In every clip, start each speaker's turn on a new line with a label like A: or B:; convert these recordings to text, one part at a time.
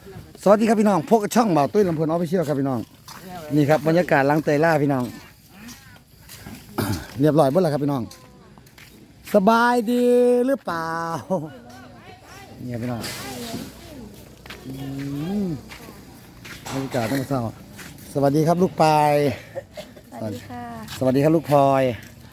A: สวัสดีครับพี่น้องพวกช่องเบาตุ้ยลำพูนออฟฟิเชียลครับพี่น้องนี่ครับบรรยากาศหลังเตยล่าพี่น้อง เรียบร้อยหมดแล้วครับพี่น้องสบายดีหรือเปล่าเนี่ยพี่น้องบรรยากาศต้องเศร้าสวัสดีครับลูกปาย
B: สวัสดีค่ะ
A: สวัสดีครับลูกพลอย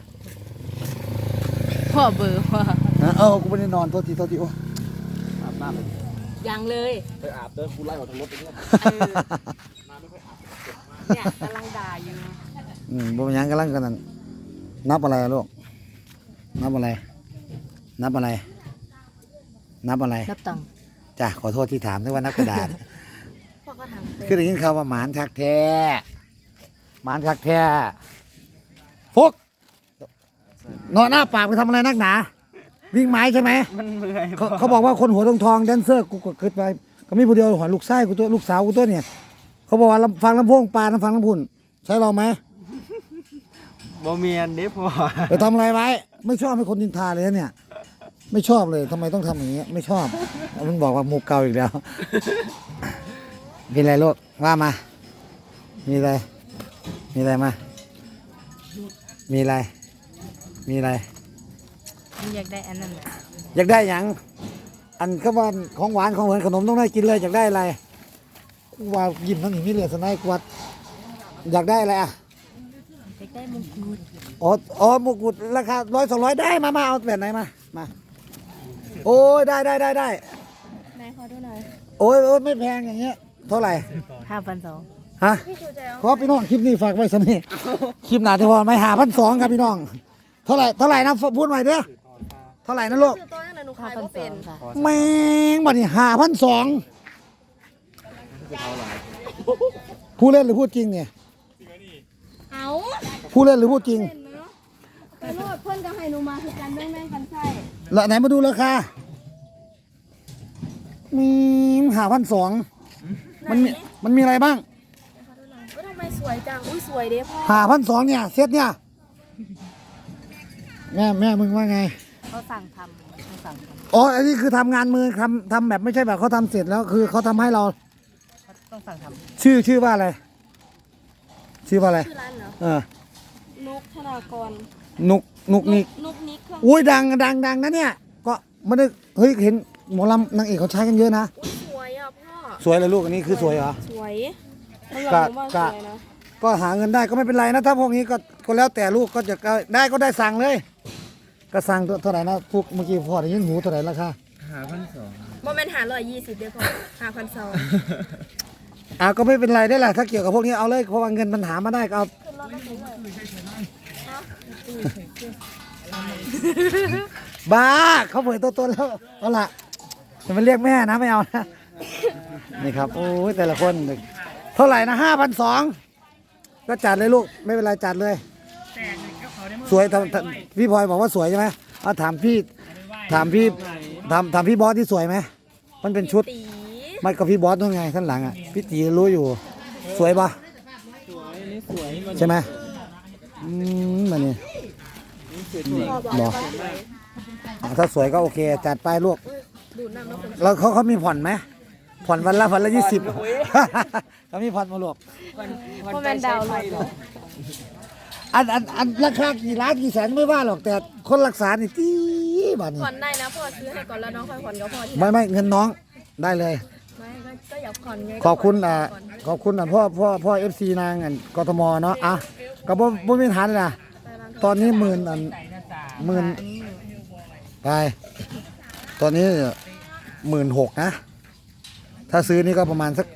B: พ่อเบอร์ว่า
A: กูไม่ได้นอนโทษทีโอ้อาบน้ำเลย
B: ยังเลย
A: ไปอาบเดินกูไล่ออกทางรถไปเนี่ยมาไม่ค่อยอาบ
B: เนี่ยกำลังด่าอยู่
A: บ่ยังกำลังกันนั่นนับอะไรลูกนับอะไรนับอะไรนับอะไร
B: นับตังค์
A: จ้ะขอโทษที่ถามด้วยว่านับกระดาษ
B: พ่อก็ทำ
A: คือได้ยินข่าวว่าหมานคักแท้หมานคักแท้ฟุกนอนหน้าปากไปทำอะไรนักหนาวิ่งไม้ใช่ไหม
C: มันเมื่อย
A: เขาบอกว่าคนหัวทองแดนเซอร์กูก็ขึ้นไปก็มีผู้เดียวหัวลูกไส้กูตัวลูกสาวกูตัวเนี่ยเขาบอกว่าฟังลำโพงปลาฟังลำพุ่นใช่เราไหม
C: บ่เมียนเด้พ่อ
A: ไปทำอะไรไว้ไม่ชอบให้คนนินทาเลยเนี่ยไม่ชอบเลยทำไมต้องทำอย่างเงี้ยไม่ชอบมันบอกว่ามุกเก่าอีกแล้วเป็นไรลูกว่ามามีอะไรมีอะไรมามีอะไรมีอะไร
B: อยากได้อันนั้น
A: อยากได้อย่างอันก็ว่าของหวานของเหมือนขนมต้องได้กินเลยอยากได้อะไรกูว่ายิ้มทั้งหิมนี่เลยสนายกวัดอยากได้อะไรอ่ะ
B: อยากได้มงกุฎ
A: อ๋อมงกุฎราคา100-200ได้มาเอาแบบไหนมาโอ้ยได้
B: ไหนขอดูหน่อย
A: โอ้ยไม่แพงอย่างเงี้ยเท่าไหร่
B: 5,200
A: ฮะขอพี่น้องคลิปนี้ฝากไว้สนี่คลิปหนาที่พอไม่5,200ครับพี่น้องเท่าไหร่นะพูดใหม่เด้อเท่าไหร่นะลูก
B: 5,200
A: แม่งบัดนี้5,200ผู้เล่นหรือพูดจริงเนี่ย
B: เอา
A: ผู้เล่นหรือพูดจริง
B: ไปโลดเพื่อนก็ให้หนูมาคือกันแม่งกันใช่
A: แล้วไหนมาดูราคามี5,200มันมีอะไรบ้าง
B: ทำไมสวยจังอุ้ยสวยเด้พ่อ
A: 5,200เนี่ยเซตเนี่ยแม่มึงว่าไง
B: เขาสั่งทำ
A: อ๋ออันนี้คือทำงานมือทำแบบไม่ใช่แบบเขาทำเสร็จแล้วคือเขาทำให้เรา
B: ต้องสั่งทำ
A: ชื่อว่าอะไรชื่อว่าอะไร
B: ชื่อร้านเหรอนุกธนากร
A: นุกนิกอุ้ยดังนะเนี่ยก็ไม่ได้เฮ้ยเห็นหมอลำนางเอกเขาใช้กันเยอะนะ
B: สวยอ่ะพ่อ
A: สวยเลยลูกอันนี้คือสวยเหรอ
B: สวย
A: ก็หาเงินได้ก็ไม่เป็นไรนะถ้าพวกนี้ก็แล้วแต่ลูกก็จะได้ก็ได้สั่งเลยก็สั่งเท่าไหร่นะพวกเมื่อกี้พ่อได้ยินหูเท่าไหร่ราคา
C: 5,200
B: โมเมนต์120เด้อพ่อ
A: 5,200ก็ไม่เป็นไรได้แหละถ้าเกี่ยวกับพวกนี้เอาเลยเพราะว่าเงินมันหามาได้ก็เอาบ้าเขาเผยตัวตนแล้วเอาล่ะจะมาเรียกแม่นะไม่เอานะนี่ครับโอ้ยแต่ละคนเท่าไหร่นะ5,200ก็จัดเลยลูกไม่เป็นไรจัดเลยสวยพี่พลอยบอกว่าสวยใช่ไหมเอาถามพี่บอสที่สวยไหมมันเป็นชุดไม่กับพี่บอสนู่นไงข้างหลังอ่ะพี่ตีรู้อยู่สวยปะใช่ไหมมันนี่บอกถ้าสวยก็โอเคจัดไปลูกแล้วเขามีผ่อนไหมผ่อนวันละ20เขามีผ่อนมาลูก
B: โมเมนต์ดาวเลย
A: อันราคากี่ล้านกี่แสนไม่ว่าหรอกแต่คนรักษานี่ตีบ้านนี้
B: ผ่อนได้นะพ่อซื้อให้ก่อนแล้วน้องค่อยผ่อนก็พอ
A: ไม่เงินน้องได้เลย
B: ไม่ก็อยากผ่อนไง
A: ขอบคุณพ่อFC นางกทมเนาะก็บ่มีฐานเลยนะตอนนี้10,000ไปตอนนี้16,000นะถ้าซื้อนี่ก็ประมาณสัก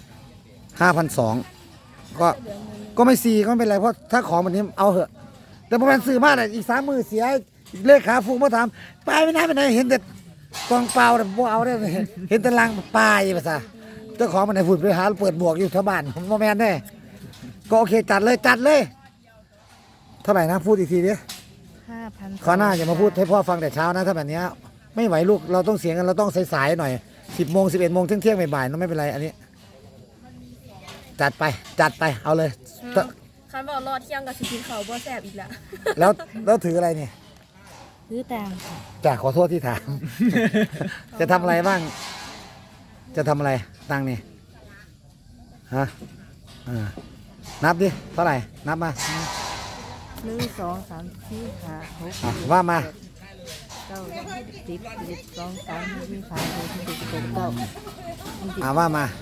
A: 5,200ก็ไม่4ก็ไม่เป็นไรเพราะถ้าของแบบนี้เอาเหอะแต่ประมาณซื้อมากเลยอีก3 มือเสียเลขขาฟูกมาถามไปไม่น่าไปไหนเห็นแต่กองเปล่าแต่บ่เอาได้เห็นแต่ลังปลายภาษาเจ้าของมันไหนฝุ่นไปหาเปิดบวกอยู่แถวบ้านผมบ่แม่นได้ก็โอเคจัดเลยเท่าไหร่นะพูดอีกทีดิ
B: 5,000
A: ข้อหน้าอย่ามาพูดให้พ่อฟังแต่เช้านะถ้าแบบนี้ไม่ไหวลูกเราต้องเสียงกันเราต้องสายๆหน่อย10 โมง 11 โมงเที่ยงบ่ายๆไม่เป็นไรอันนี้จัดไปเอาเลย
B: คันบอกรอเที่ยงกับสิกินเขาบ่แซ่บอีก
A: แล้วถืออะไรเนี่ย
B: ถือตัง
A: จ้ะขอโทษที่ถามจะทำอะไรบ้างจะทำอะไรตังค์นี่ฮะนับดิเท่าไหร่นับมา
B: 1 2 3 4 5 6
A: อ่ะว่ามา
B: 9 10 11 12 13 14 15 16 17 19
A: ว่ามา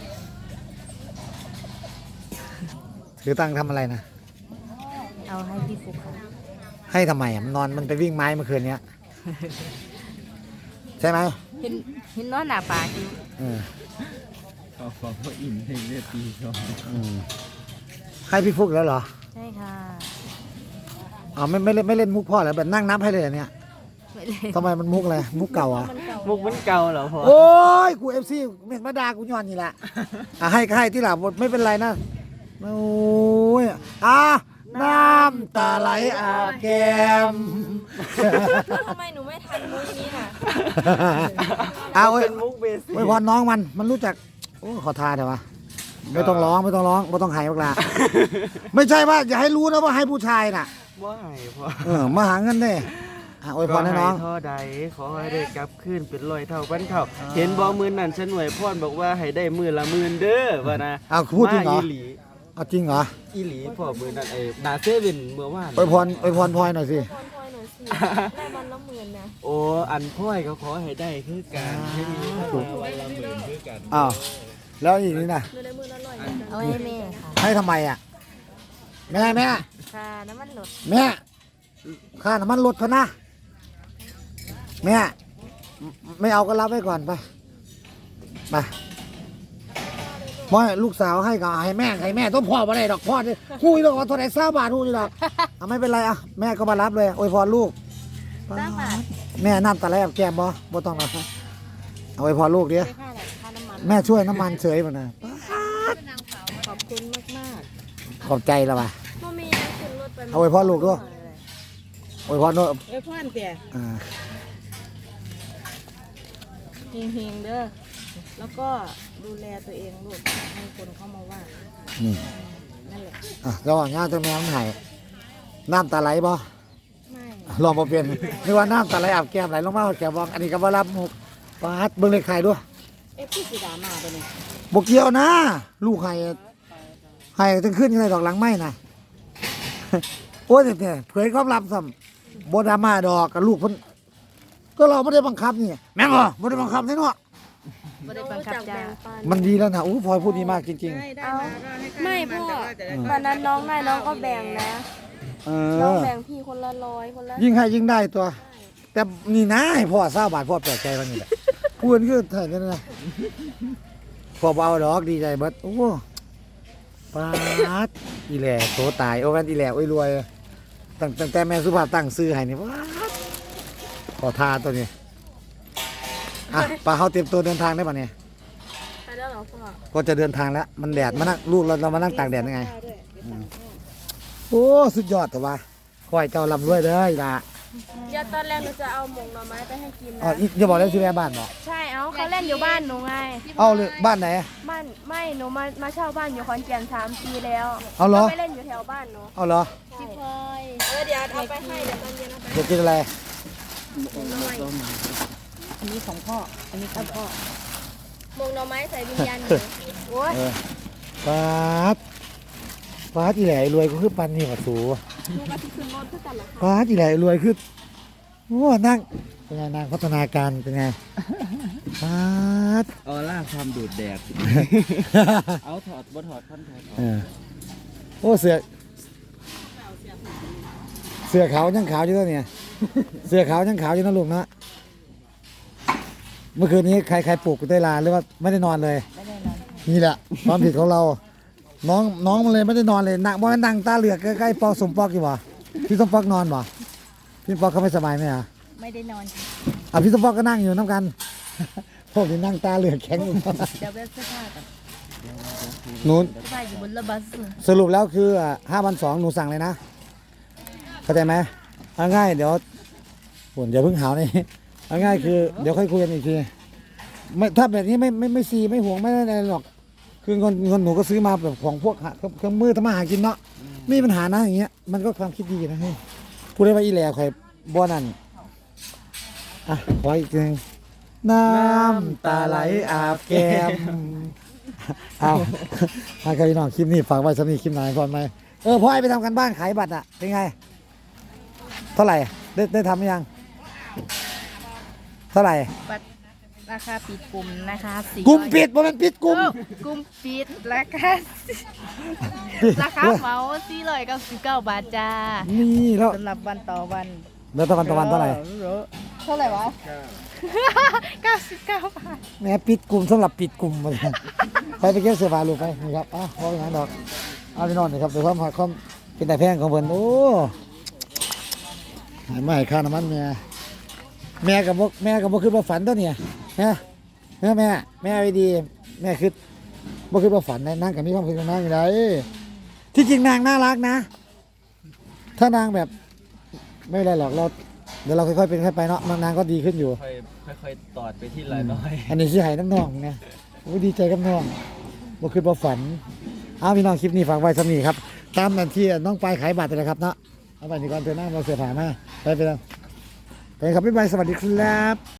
A: ถือตังค์ทำอะไรนะ
B: เอาให้พี่ฟุกค่ะ
A: ให้ทำไมอ่ะมันนอนมันไปวิ่งไม้เมื่อคืนเนี้ยใช่ไหม
B: เห็นนอนหน้าปากอยู่
A: เออ
C: เขาบอกว่าอิ่มในเลือดตีสอง
A: ให้พี่ฟุกแล้วเหรอ
B: ใช่ค่ะ
A: อ๋อไม่เล่นมุกพ่อแล้วแบบนั่งนับให้เลยอันเนี้ย
B: ไม่เลย
A: ทำไมมันมุกอะไรมุกเก่าอ่ะ
C: มุกมันเก่าเหรอพ่อ
A: โอ้ยกูFC เม็ดมาดากูย้อนนี่แหละให้ก็ให้ที่หลังไม่เป็นไรนะโอ้ยน้ำตาไหลอาบแก้ม
B: ทำไมหนูไม่ทันมุกนี้น่ะ
A: เว้ย
C: เป็นมุกเบสิก
A: ไว้พรน้องมันรู้จักโอ้ขอทานเถอะวะไม่ต้องร้องไม่ต้องให้พวกลาไม่ใช่ว่าอย่าให้รู้นะว่าให้ผู้ชายน่ะ
C: ว่าไงพ่อ
A: มาหาเงินได้อวยพรให้น้อง
C: ท่อใดขอให้ได้กลับคืนเป็น100 เท่าพันเท่าเห็นบ่มือนั่นฉันหน่วยพ่อนบอกว่าให้ได้มือละ10,000เด้อว่านะ
A: พูดจริงเหรอ
C: มาอีหลี
A: เอาจริงเหรอ
C: อีหลีพ่อมือนั่นนาเซเว่นเมื่อวาน
A: อวยพรพลอยหน่อยสิ
B: พอยหน่อยสิได้วันละ10,000นะ
C: โอ้อันพ่อยเขาขอให้ได้คือกันให้มีวันละ10,000คือกัน
A: อ้าวแล้วอีกนี่นะ
B: หนูได้มื้อละ100เอาให้แม่ค่ะ
A: ให้ทำไมอ่ะแม่
B: ค่ะน้ำมันลด
A: แม่ค่าน้ำมันลดพะนะแม่ไม่เอาก็รับไว้ก่อนไปไม่ลูกสาวให้ก็ให้แม่ต้องพ่อมาได้ดอกพ่อนี่คุยดอกว่าเท่าไหร่20 บาทคุยดอกไม่เป็นไรแม่ก็มารับเลยอวยพรลูก
B: 3 บาท
A: แม่น้ำตาไหลกับแก้มบ่ต้องนะเอาอวยพรลูกเดียว
B: ได้ค่าอะไรค่าน้ำมัน
A: แม่ช่วยน้ำมันเฉยมันนะ
B: ขอบคุณมาก
A: ขอบใจแล้วป่ะ
B: ๆพ่อแม่ขึ้นรถไป
A: เอาไว้พ่อลูกด้วย อวยพรด้วย
B: ไว้พ่อนเตี่ย
A: อ่า
B: เฮงๆเด้อแล้วก็ดูแลตัวเองลูกให้คนเข้ามาว่า
A: นี่
B: นั่นแหละ
A: ระหว่างย่าเจ้าแม่มันไห้น้ำตาไหลบ่
B: ไม่
A: ลองมาเปลี่ยนนึกว่าน้ำตาไหลอาบแก้มไหลลงมาแก้มบอกอันนี้ก็บ่รับมุกปาดเบิ่งเลขไข่ด้วย
B: พี่สีดามาตัวนี้
A: บ่เกี่ยวนะ ลูกไห้ถึงขึ้นยังไงดอกหลังไม้น่ะ โอ้ยเนี่ยเผยความลับซ้ำบ่ดราม่าดอกกับลูกเพิ่นก็เราไม่ได้บังคับนี่แม่งเหรอบ่ได้บังคับแน่เนาะ
B: ไม่ได้บังคับจ้า
A: มันดีแล้วนะอู้พลอยพูดดีมากจริง
B: เอาไม่พ่อวันนั้นน้องได้น้องก็แบ่งนะ
A: ๆ
B: น้องแบ่งพี่คนละ100คนละ
A: ยิ่งให้ยิ่งได้ตัว แต่นี่นะให้พ่อ20 บาทพ่อแปลกใจวันนี้แหละพูดคือเท่านั้นนะพ่อบ่เอาดอกดีใจเบิดโอ้ปาดอีแหล่โตตายโอ้กันอีแหล่โอ้ยรวยตั้งแต่แม่สุภาพตั้งซื้อให้นี่ปาดขอทาตัวนี้ปลาเขาเตรียมตัวเดินทางได้ป่ะเนี่ย
B: ไปแล้วเหรอพ่อ
A: ก็จะเดินทางแล้วมันแดดมานั่งลูกเรามานั่งตากแดดยังไงโอ้สุดยอดแต่ว่าขอให้เจ้าลำรวยเด้ออีหล่ะ
B: เดี๋ยวตอนแรกหนูจะเอาหมกหน่อไม้ไปให้กิน
A: อ๋อ
B: นะ
A: อีอย่าบอกเลยสิแม่บ้านบอก
B: ใช่เอาเขาเล่นอยู่บ้านหนูไง
A: เอาเลยบ้านไหน
B: บ้านไม่หนูมาเช่าบ้านอยู่ขอนแก่น3 ปีแล้ว
A: เอาเหรอ
B: ไปเล่นอยู่แถวบ้านหนู
A: เอาเหรอ
B: พี่พลอยเดี๋ยวเอาไปให้เดี๋ยวตอนเย็นเอาไป
A: จะกินอะไร
B: อันนี้ของพ่ออันนี้ของพ่อหมกหน่อไม้ใส่วิญญาณหนูโอ้ย
A: ปาดปาดอีแหล่รวยก็คือปันนี่มาสู
B: หนูก็ที่ขึ้นรถเพื่อกันเหรอคะ
A: ปาดอีแหล่รวยคือโอ้นั่งเป็นไงนางพัฒนาการเป็นไงปาด
C: ออร่าความดูดแดด เอาถอดบ่ถอดพันถอดออก
A: โอ้เสือขาวยังขาวอยู่แล้วเนี่ยเสือขาวยังขาวอยู่นะลุงเนาะเมื่อคืนนี้ใครปลุกกูได้ลาหรือว่าไม่ได้นอนเลย
B: ไม่ได้นอน
A: นี่แหละความผิดของเรา น้องมันเลยไม่ได้นอนเลยนั่งบ่นั่งตาเหลือกใกล้ๆปอกสมปอกอยู่บ่พี่สมปอกนอนบ่พี่ปอกเขาไม่สบายไหมอ่ะ
B: ไม่ได้นอน
A: พี่สมปอกก็นั่งอยู่น้ำกันพวกนี้นั่งตาเหลือกแข็งอยู่
B: เดี๋ยวเว็บเสื้อผ้ากัน
A: นู้น
B: เสื้อผ้าอยู่บนรถบัส
A: สรุปแล้วคือ5,200หนูสั่งเลยนะเข้าใจไหมเอาง่ายเดี๋ยวฝุ่นอย่าเพิ่งหาวนี่เอาง่ายคือเดี๋ยวค่อยคุยกันอีกทีไม่ถ้าแบบนี้ไม่ซีไม่ห่วงไม่อะไรหรอกคือเงินหนูก็ซื้อมาแบบของพวกเครื่องมือทำมาหากินเนาะไม่มีปัญหานะอย่างเงี้ยมันก็ความคิดดีนะเฮ้ยพูดได้ว่าอีแหล่ข่อยบ่นั่นขออีกทีนึงน้ำตาไหลอาบแก้มเอาถ้าใครพี่น้องคลิปนี้ฝากไว้สำหรับคลิปไหนก่อนไหมพ่อไอ้ไปทำกันบ้านขายบัตรอ่ะเป็นไงเท่าไหร่ได้ทำหรือยังเท่าไหร่
B: บัตรราคาปิดกลุ่มนะคะ400
A: กลุ่มปิดบ่แมันปิดกลุ่ม
B: กลุ่มปิดราคาเหมา499 บาทจ้า
A: นี่แล้ว
B: สำหรับวันต่อวัน
A: แล้วตะวันเท่าไหร่
B: เท่าไหร่วะ99 บาท
A: แหม่ปิดกลุ่มสำหรับปิดกลุ่มมันไปเก็บเสื้อผ้าลูกไปนี่ครับพอไปงานดอกเอาไปนอนนี่ครับดูความเป็นแต่แพงของเพิ่นโอ้หายไม่ค่าน้ำมันแม่กับบ่คือบ่ฝันตัวเนี่ยฮะแม่เอาดีแม่คือบ่คือบ่ฝันนะนางกับมีความคิดของนางอยู่ไดที่จริงนางน่ารักนะ ถ้านางแบบไม่เป็นไรหรอกเดี๋ยวเราค่อยๆเป็นค่อยไปเนาะนางก็ดีขึ้นอยู่
C: ค่อยๆตอดไปที่ละน้อย
A: อันนี้สิให้น้องๆนะโอ้ดีใจกับน้องบ่คือบ่ฝันเอาพี่น้องคลิปนี้ฝากไว้สำนี้ครับตามนั้นที่น้องปลายขายบัตรเลยครับเนาะเอาไปนี่ก่อนเถอะนะเราเสียผ่ามาไปแล้วไปครับบ๊ายบายสวัสดีครับ